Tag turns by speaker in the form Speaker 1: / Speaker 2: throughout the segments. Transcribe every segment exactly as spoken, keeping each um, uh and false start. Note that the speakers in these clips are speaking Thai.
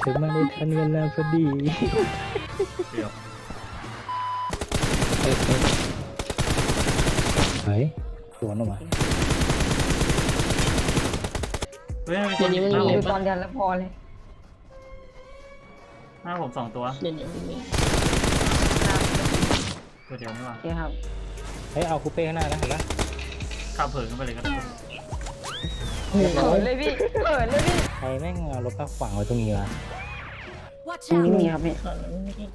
Speaker 1: อมาได้ทันเวลาพอดี
Speaker 2: เดี๋ยว
Speaker 1: เฮ้ยเฮ้ยเฮ้ยสวนออกมา
Speaker 2: เฮ้ยมีค
Speaker 3: เดี๋ยวน นี้มัน
Speaker 2: หน้า
Speaker 3: มี
Speaker 2: ผม
Speaker 4: ดูตอนเดียวแล้วพอเลย
Speaker 2: หน้าผมสองตัว
Speaker 3: เดี๋ยวนี้มันมี
Speaker 2: ตัวเดียวนี่หว่า
Speaker 4: โอเคครับ
Speaker 1: เฮ้ยเอาคูเป้ข้างหน้านะเห็นปะ
Speaker 2: ข้ามเผินขึ้นไปเลยก็ได้
Speaker 4: เขินเลยพี่เขินเลยพี่
Speaker 1: ใครแม่งเอารถมาขวางไว้ตรงนี้วะ
Speaker 5: Watch
Speaker 4: นี่
Speaker 5: out!
Speaker 4: มีครับพี่
Speaker 3: ขอแล้วไม่ได้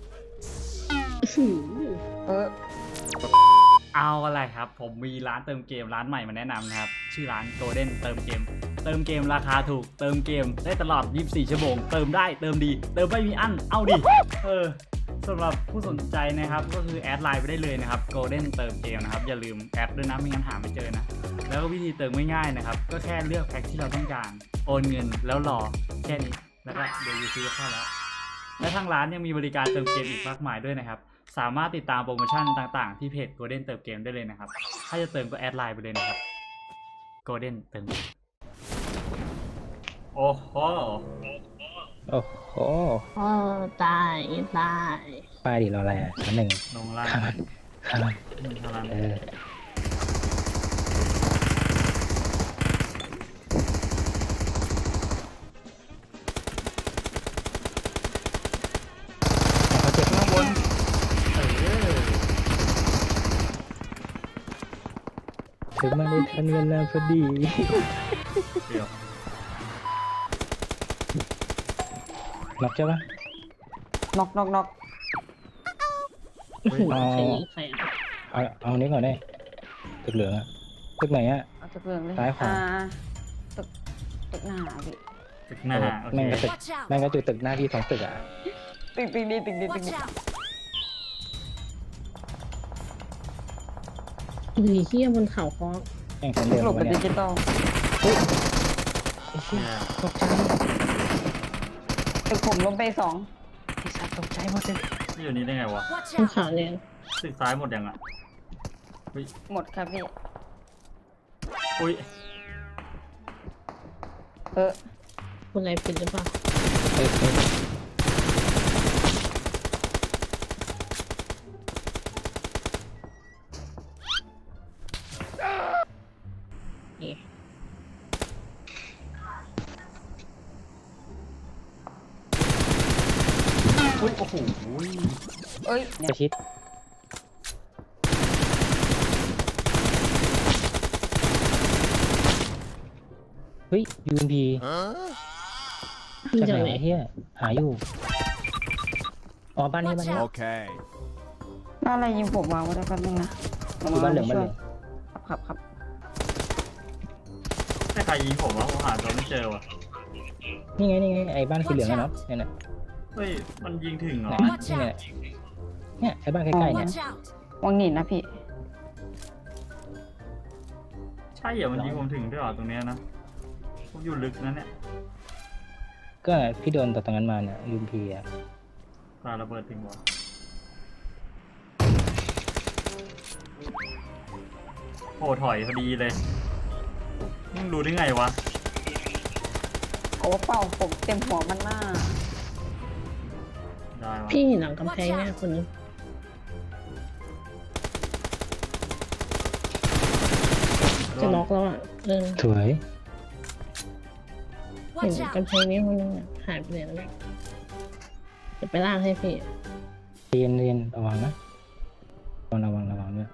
Speaker 4: เออ
Speaker 2: เอาอะไรครับผมมีร้านเติมเกมร้านใหม่มาแนะนำนะครับชื่อร้าน Golden เติมเกมเติมเกมราคาถูกเติมเกมได้ตลอดยี่สิบสี่ชั่วโมงเติมได้เติมดีเติมไม่มีอั้นเอาดิเออสำหรับผู้สนใจนะครับก็คือแอดไลน์ไปได้เลยนะครับ Golden เติมเกมนะครับอย่าลืมแอดด้วยนะไม่งั้นหาไม่เจอนะแล้วก็วิธีเติมง่ายๆนะครับก็แค่เลือกแพ็คที่เราต้องการโอนเงินแล้วรอแค่นี้แล้วก็เดี๋ยวยูซีเข้าแล้วและทางร้านยังมีบริการเติมเกมอีกมากมายด้วยนะครับสามารถติดตามโปรโมชั่นต่างๆที่เพจ Golden เติมเกมได้เลยนะครับถ้าจะเติมก็แอดไลน์ไปเลยนะครับ Golden เติมเกมโอ้โห
Speaker 1: โอ้โห
Speaker 3: โอ้ตายตาย
Speaker 1: ป้ายดิเราอะไรอ่ะชั้นหนึ่ง
Speaker 2: ลงล่าง
Speaker 1: ข้ามมันข้ามมัน
Speaker 2: มันพลัง
Speaker 1: เออเขาเจ็บ
Speaker 2: ข้างบนเออ
Speaker 1: ถึงมาได้ทันเวลาพอดี
Speaker 2: เดี๋ยว
Speaker 1: ล็อกใช่ปะ
Speaker 4: น็อกน็อกน็อก
Speaker 2: เฮ้ย
Speaker 1: เอา
Speaker 3: ใครยิงใครอ่ะ
Speaker 1: เอาเอานี้ก่อนได้ตึกเหลืองอะตึกไหนอะ
Speaker 4: เอาจะเพื่องเลย
Speaker 1: ซ้ายขวา
Speaker 4: อ่ตึกตึกหน้าพี่
Speaker 2: ตึกหน้าโอเค
Speaker 1: แม่งก็ตึก
Speaker 5: Watch out!
Speaker 1: แม่งก็จุดตึกหน้าที่สองตึกอะ
Speaker 4: ตึกตึกดีตึกดีตึก
Speaker 5: Watch
Speaker 4: ดี
Speaker 5: out!
Speaker 3: อุ้ยเฮียบนเขาคอ
Speaker 1: แม่งคนเดิม
Speaker 4: หลบ
Speaker 1: วะ
Speaker 4: เป็น
Speaker 1: เนี่
Speaker 4: ดิ
Speaker 1: ย
Speaker 4: จิตอล
Speaker 1: ไอ้เหี้ยตกใจ
Speaker 4: ตึกผมล้มไปสอง
Speaker 1: ไอ้สัตว์ตกใจหมดเลย
Speaker 2: นี่อยู่นี่ได้ไงวะ
Speaker 5: Watch
Speaker 3: บน
Speaker 5: out!
Speaker 3: เขาเนี่ย
Speaker 2: ตึกซ้ายหมดยังอ่ะอุ้ย
Speaker 4: หมดครับพี่
Speaker 2: อุ้ย
Speaker 4: เออ
Speaker 3: คนอะไรปิดหรือเปล่า
Speaker 1: เฮ้ยเฮ้ย
Speaker 3: เอ๊ะ
Speaker 2: อุ้ยโอ้โห
Speaker 4: เอ้ย
Speaker 1: ป
Speaker 4: เนี่ย
Speaker 1: ระชิดเฮ้ยยูนพี
Speaker 3: ยิง
Speaker 1: จาก
Speaker 3: จาก
Speaker 1: ไหน
Speaker 3: ไหน
Speaker 1: วะเฮียหาอยู่อ๋อบ้านนี้บ้านนี้
Speaker 6: Okay.
Speaker 4: น่าอะไรยิงผมมาวะเดี๋ยวแป๊บนึงนะ
Speaker 1: อยู่บ้านเหลืองบ้านเหลือง
Speaker 4: ครับครับ
Speaker 2: ให้ใครยิงผมวะผมหาตัวไม่เจอวะ
Speaker 1: นี่ไงนี่ไงไอ้บ้านสีเหลืองอะเนาะเนี่ยนะ
Speaker 2: เฮ้ยมันยิงถึงเหรอ
Speaker 1: เนี่ยนี่ไงเนี่ยไอ้บ้านใกล้ๆเนี่ย
Speaker 5: Watch out!
Speaker 4: วังหนินนะพี่
Speaker 2: ใช่เหรอมันยิงผมถึงด้วยเหรอตรงเนี้ยนะผมอยู่ลึกนะเนี่ย
Speaker 1: ก็พี่โดนต่อตรงนั้นมาเนี่ยยูนพีอะ
Speaker 2: ปาระเบิดถึงวะโอ้ถอยพอดีเลยมึงรู้ได้ไงวะ
Speaker 4: โอ้เป่าผมเต็มหัวมันหน้า
Speaker 2: ได้วะ
Speaker 3: พี่หลังกำแพงเนี่ยคนนึงจะล็อกแล้วอ่ะเออ
Speaker 1: สวย
Speaker 3: เห็น
Speaker 5: Watch out!
Speaker 3: กำแพงนี้คนนึงอ่ะหายไปไหนแล้วเนี่ยจะไปล่างให้พี่
Speaker 1: เรียนเรียนระวังนะระวังระวังระวังด้วย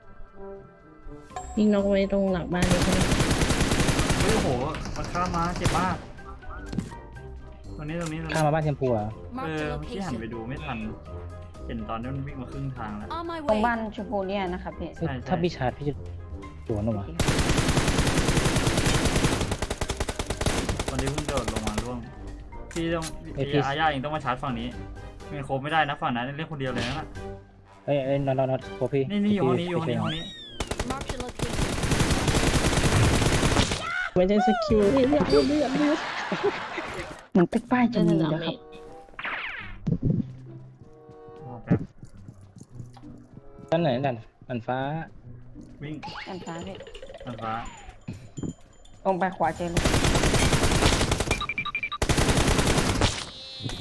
Speaker 3: ยิงน็อกไว้ตรงหลังบ้านนี่ใช่ไหม
Speaker 2: เฮ้ยโอ้โหมันข้ามมาเจ็บมากตรงนี้ตรงนี้ตรง
Speaker 1: ข้าม
Speaker 2: นี้
Speaker 1: มาบ้านแชมพูอะ
Speaker 2: เอ
Speaker 5: Mark
Speaker 2: อ
Speaker 5: the
Speaker 2: เมื่อกี้หันไป
Speaker 5: location.
Speaker 2: ดูไม่ทัน เห็นตอนนี้มันวิ่งมาครึ่งทางแล้ว
Speaker 5: On my
Speaker 4: ตรง
Speaker 5: way.
Speaker 4: บ้านชมพูเนี่ยนะครับพี่
Speaker 1: เฮ้ย
Speaker 2: ใช่
Speaker 1: ถ้าพี่ชาร์จพี่จะสวนออกมา
Speaker 2: ตอนนี้เพิ่งโดดลงมาร่วงพี่ต้องพี่อาญาเองต้องมาชาร์จฝั่งนี้ไม่งั้นโคบไม่ได้นะฝั่งนั้นเล่นคนเดียวเลยนะ
Speaker 1: เอ้ยเอ้ยนอนนอนนอนโคพี่
Speaker 2: นี่นี่อยู่ห้องนี้อยู่ห้องนี้ห้องนี้
Speaker 5: Mark the location.
Speaker 3: ไม่ใช่สกิลเลือดเลือดเลือดเลือด
Speaker 4: เหมือนตึกป้ายจะ
Speaker 3: จะ
Speaker 4: มี
Speaker 3: หน
Speaker 4: นะครับ
Speaker 2: รอแป๊บ
Speaker 1: ด้านไหนด้านอันฟ้า
Speaker 2: วิ่ง
Speaker 4: ด้านซ้ายพี่
Speaker 2: อันฟ้า
Speaker 4: ลงไปขวาเจอเลย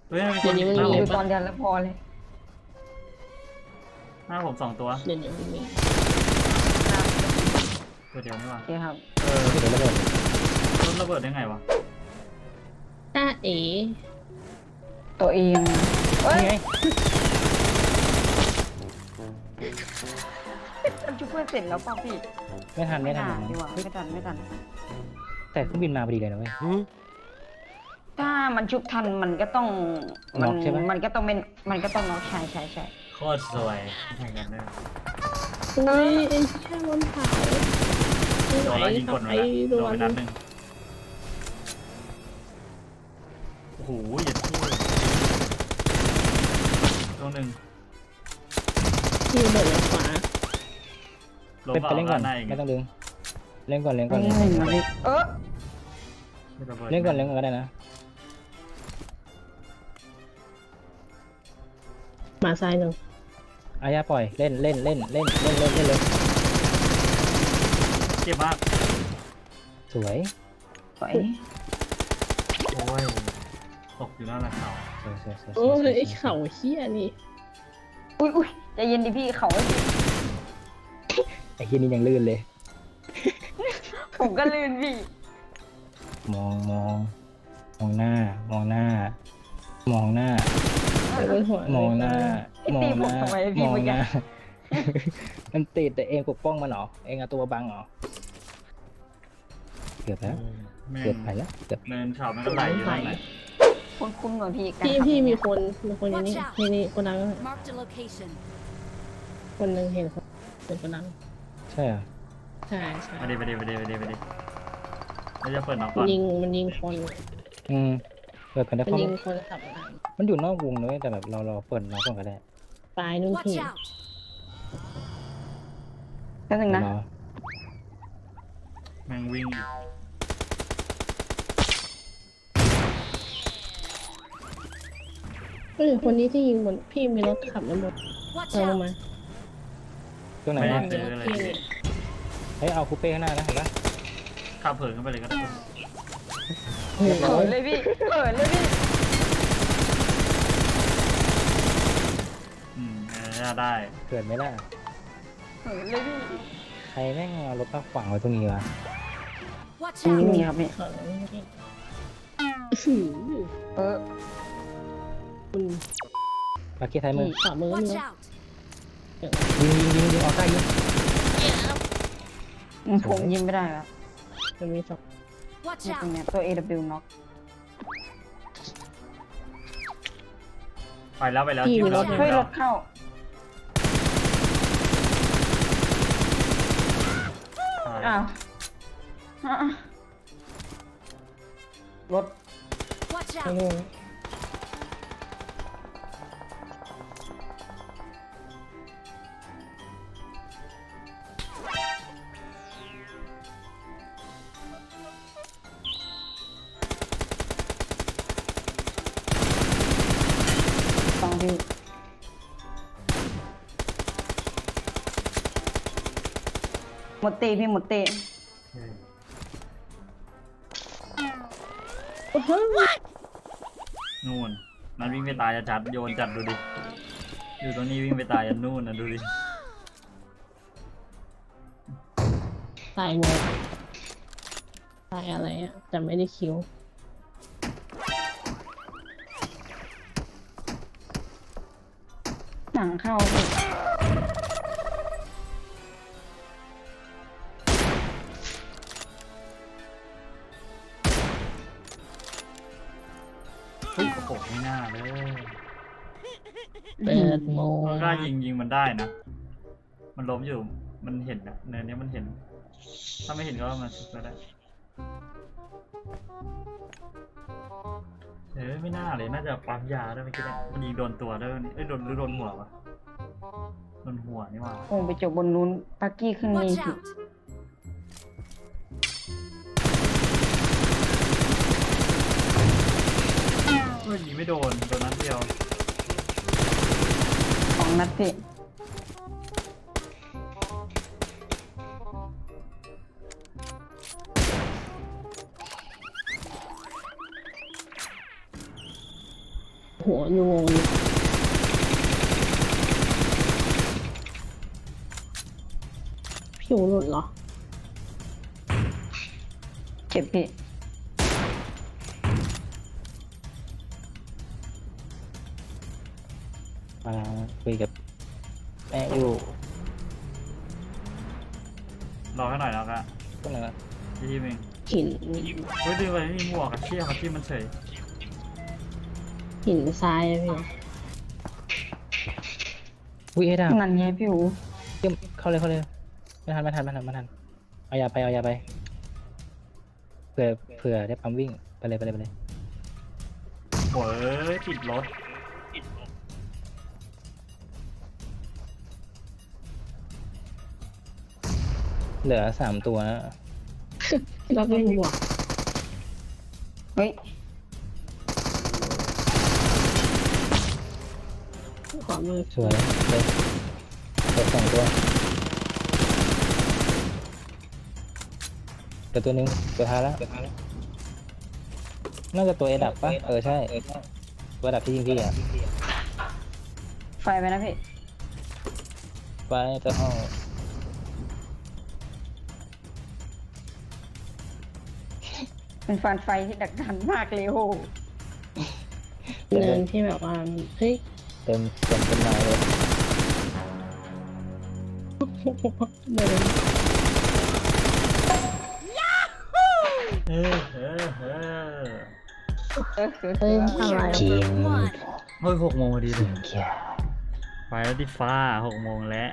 Speaker 2: เฮ้ยมีค
Speaker 3: เดี๋ย
Speaker 2: น
Speaker 3: วนี้
Speaker 2: ห
Speaker 3: มัน
Speaker 2: น้า
Speaker 3: มี
Speaker 2: ผม
Speaker 4: ดูตอนเดียวแล้วพอเลย
Speaker 2: หน้าผมสองตัว
Speaker 3: เดี๋ยวนี้มันมี
Speaker 2: ตัวเดียวนี่หว่า
Speaker 4: โอเคครับ
Speaker 2: เออ
Speaker 1: เดี๋ยวระเบิด
Speaker 2: รถระเบิดได้ไงวะ
Speaker 3: ต้าเอ๋
Speaker 4: ตัวเองเฮ้ย
Speaker 1: นี่ไง
Speaker 4: มันชุบเพื่อนเสร็จแล้วเปล่าพี่
Speaker 1: ไม่ทันไม่ทัน
Speaker 4: อ่า
Speaker 1: หรอก
Speaker 4: ดี
Speaker 1: มั้ง
Speaker 4: กว่าไม่ทันไม่ทัน
Speaker 1: แต่เครื่องบินมาพอดีเลยนะเว้ย
Speaker 4: ถ้ามันชุบทันมันก็ต้อง
Speaker 1: น็
Speaker 4: มั
Speaker 1: อกใช่ปะ
Speaker 4: มันก็ต้องเป็นมันก็ต้องน็อกใช่ใช่ใช่
Speaker 2: โคตรสวยแข่งกันด้วย
Speaker 3: อุ้ยไอ้แค่บนเขา
Speaker 2: โดนแล้วยิงกดมา
Speaker 3: ไอ้
Speaker 2: แล้ว
Speaker 3: โด
Speaker 2: โดน
Speaker 3: น
Speaker 2: ไปนัดหนึ่งโอ้โหอย่าพูดตัวหนึ่ง
Speaker 3: ที่ระเบิดลงขวา
Speaker 2: ลง
Speaker 1: เป็น
Speaker 2: เป
Speaker 1: ไปเล่นก่อน
Speaker 2: ล่าหน้าอีก
Speaker 1: ไม่ต้องดึงเล่นก่อนเล่นก่อน
Speaker 4: ไม่
Speaker 1: เล่น
Speaker 4: หนึ่งนะพี่เออ
Speaker 1: เล่นก่อนเล่นก่อนก็ได้นะ
Speaker 3: หมาซ้ายหนึ่ง
Speaker 1: อายาปล่อยเล่นเล่นเล่นเล่นเล่นเล่นเล่นเลย
Speaker 2: เจ็บมาก
Speaker 1: สวย
Speaker 4: ไป
Speaker 2: โอ้ยตกอยู่หน้าหลังเขา
Speaker 1: สวยสวยสวย
Speaker 3: โอ้
Speaker 1: สวย
Speaker 3: ยไอ้เข่าเฮี้ยนี่
Speaker 4: อุ้ยอุ้ยใจเย็นดิพี่เขาให้พี่
Speaker 1: ไอ้เฮียนี่ยังลื่นเลย
Speaker 4: ผมก็ลื่นพี่
Speaker 1: มองมองมองหน้ามองหน้า มองหน้า
Speaker 3: ไปบนหัว
Speaker 1: มองหน้า
Speaker 4: พี่
Speaker 1: มอ
Speaker 4: ตี
Speaker 1: ง
Speaker 4: ผ
Speaker 1: ห
Speaker 4: ม
Speaker 1: น้า
Speaker 4: ทำไม
Speaker 1: ม
Speaker 4: พี่
Speaker 1: อง
Speaker 4: เมื่อ
Speaker 1: ห
Speaker 4: กี้
Speaker 1: น้า มันติดแต่เองปกป้องมันเหรอเองเอาตัวบังเหรอเกือบแล้ว
Speaker 2: แม่ง
Speaker 1: เกือบไปแล้วเกือบ
Speaker 2: เนินเขามันก็ไหลอยู่นั่นแหละ
Speaker 4: คุ้นคุ้นๆกว่าพี่การ
Speaker 3: พี่
Speaker 4: ขับ
Speaker 3: พี่มีคนมีคนอย่างนี้นี่นี่คนดัง
Speaker 5: Marked a location.
Speaker 3: คนหนึ่งเห็นคนเป็นคนดัง
Speaker 1: ใช่เหรอ
Speaker 3: ใช่ใช่
Speaker 2: มาดิมาดิมาดิมาดิมาดิเราจะเปิดน็อกก่อน
Speaker 3: ยิงมันยิงคน
Speaker 1: อืมเปิดกันได้
Speaker 3: มัน
Speaker 1: เพราะ
Speaker 3: ยิงคนขับมา
Speaker 1: มันอยู่นอกวงเลยแต่แบบเราเราเปิดน้องก่อนก็ได้
Speaker 3: ปลายนู่น
Speaker 5: Watch
Speaker 3: พี่
Speaker 5: out.
Speaker 4: แป๊บนึงนะ
Speaker 1: รอ
Speaker 2: แม่งวิ่งอีก
Speaker 3: เออคนนี้ที่ยิงบนพี่มีรถขับแล้วหมด
Speaker 5: Watch
Speaker 3: เอาลง
Speaker 5: out.
Speaker 3: มา
Speaker 1: ตรงไหน
Speaker 2: ไม่
Speaker 1: นะ
Speaker 2: ได้เจออะไร
Speaker 3: พี่
Speaker 2: เลย
Speaker 1: เฮ้ยเอาคูเป้ข้างหน้านะเห็นปะ
Speaker 2: ขับเผินขึ้นไปเลยก็ได้
Speaker 3: เฮ้ย
Speaker 4: เขินเลยพี่เขินเลยพี่
Speaker 2: อืมเออได้
Speaker 1: เกิดไหมล่ะ
Speaker 4: เขินเลยพี่
Speaker 1: ใครแม่งเอารถมาขวางไว้ตรงนี้วะ
Speaker 5: Watch
Speaker 4: นี่
Speaker 5: out.
Speaker 4: มีครับพี่
Speaker 3: ขอร้องพี่อื้อหือ
Speaker 4: เออ
Speaker 3: คุณ
Speaker 1: ลักกี้ไทยมือ
Speaker 3: ขวามือ
Speaker 5: Watch
Speaker 3: นี่
Speaker 5: out.
Speaker 1: ยิงยิงยิงยิงออกใต้ยิง
Speaker 4: ผมยิงไม่ได้แล้ว
Speaker 3: มันมีสอง
Speaker 5: Watch
Speaker 4: ตรง
Speaker 5: out.
Speaker 4: เนี้ยตัว เอ ดับเบิลยู น็อก
Speaker 2: ไปแล้วไปแล้วจิ้มแล้วจิ้ม
Speaker 4: เฮ้ยร
Speaker 2: แล้ว
Speaker 4: ถเข้า อ้าวอ่ะรถ
Speaker 5: Watch
Speaker 3: ไม่
Speaker 5: out.
Speaker 3: รู้
Speaker 4: ฟังพี่หมดเตะพี่หมดเตะ
Speaker 3: โอ้โห
Speaker 2: นู่นมันวิ่งไปตายจะจัดโยนจัดดูดิอยู่ตรงนี้วิ่งไปตายยันนู่นนะดูดิ
Speaker 3: ตายงงตายอะไรอ่ะแต่ไม่ได้คิว
Speaker 4: หนังเข้าพี่
Speaker 2: เฮ้ยโอ้โหไม่น่าเลย
Speaker 3: เปิดโมง
Speaker 2: มันกล้ายิงยิงมันได้นะ มันล้มอยู่ มันเห็นอะเนินเนี้ยมันเห็น ถ้าไม่เห็นก็มาชุบก็ได้ เออไม่น่าเลย น่าจะปั๊มยาด้วยเมื่อกี้เนี่ยมันยิงโดนตัวด้วยเอ้ยโดนหรือโดนหัววะโดนหัวนี่หว่า
Speaker 4: คงไปจบบนนู้นปักกี้ขึ้นนี่
Speaker 5: Watch
Speaker 4: พี่
Speaker 5: out.
Speaker 2: เฮ้ยยิงไม่โดน โดนนัดเดียว
Speaker 4: สองนัดพี่
Speaker 3: หัวนูงอยู่ผิวหลุดเหรอ
Speaker 4: เจ็บพี่
Speaker 1: มาคุยกับแม่อยู่
Speaker 2: รอให้หน่อยแล้วก็
Speaker 1: ก็เลยว่า
Speaker 2: พี่ทีมเอง
Speaker 3: หิน
Speaker 2: เฮ้ยดูไปไม่มีหมวกอะเชี่ยเขาที่มันเฉย
Speaker 3: หินทรายอะพี่
Speaker 1: อุ้ยเอ็ดา
Speaker 4: นั่นไงพี่อู
Speaker 1: เยี่ยมเข้าเลยเข้าเลยไม่ทันไม่ทันไม่ทันไม่ทันเอายาไปเอายาไปเผื่อเผื่อได้ปั๊มวิ่งไปเลยไปเลยไปเลย
Speaker 2: โอ้ยติดรถ
Speaker 1: เหลือสามตัวนะ
Speaker 3: เราไม่บวก
Speaker 4: เฮ้ย
Speaker 3: ขวามือ
Speaker 1: สวยเลยเหลือสองตัวเหลือตัวหนึงตัวท้ายแล้วน่าจะตัวเอดับปะเออใช่ตัวดับที่ยิงพี่อ่ะ
Speaker 4: ไฟไปนะพี่
Speaker 1: ไว้ตัวห้อง
Speaker 4: เป็นฟันไฟที่ดักดันมากเลยโอ้โห
Speaker 3: เนินที่แบบว่าเฮ้ย
Speaker 1: เต็มเต็มเป็นไม้เลย
Speaker 3: เนิน
Speaker 2: เฮ้ยเฮ้ยเฮ้ย
Speaker 4: เออคือ
Speaker 3: เฮ้ยอะไร
Speaker 1: จริง
Speaker 5: One.
Speaker 2: เฮ้ยหกโมงพอดีเลย
Speaker 1: เกีย
Speaker 2: ไปแล้วดิฟ้าหกโมงแล้ว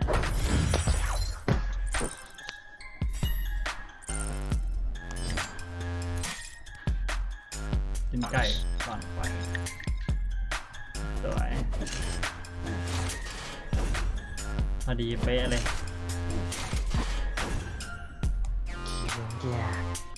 Speaker 2: กินไก่ก่อนไปสวยพอดีเป๊ะเลย
Speaker 1: เกีย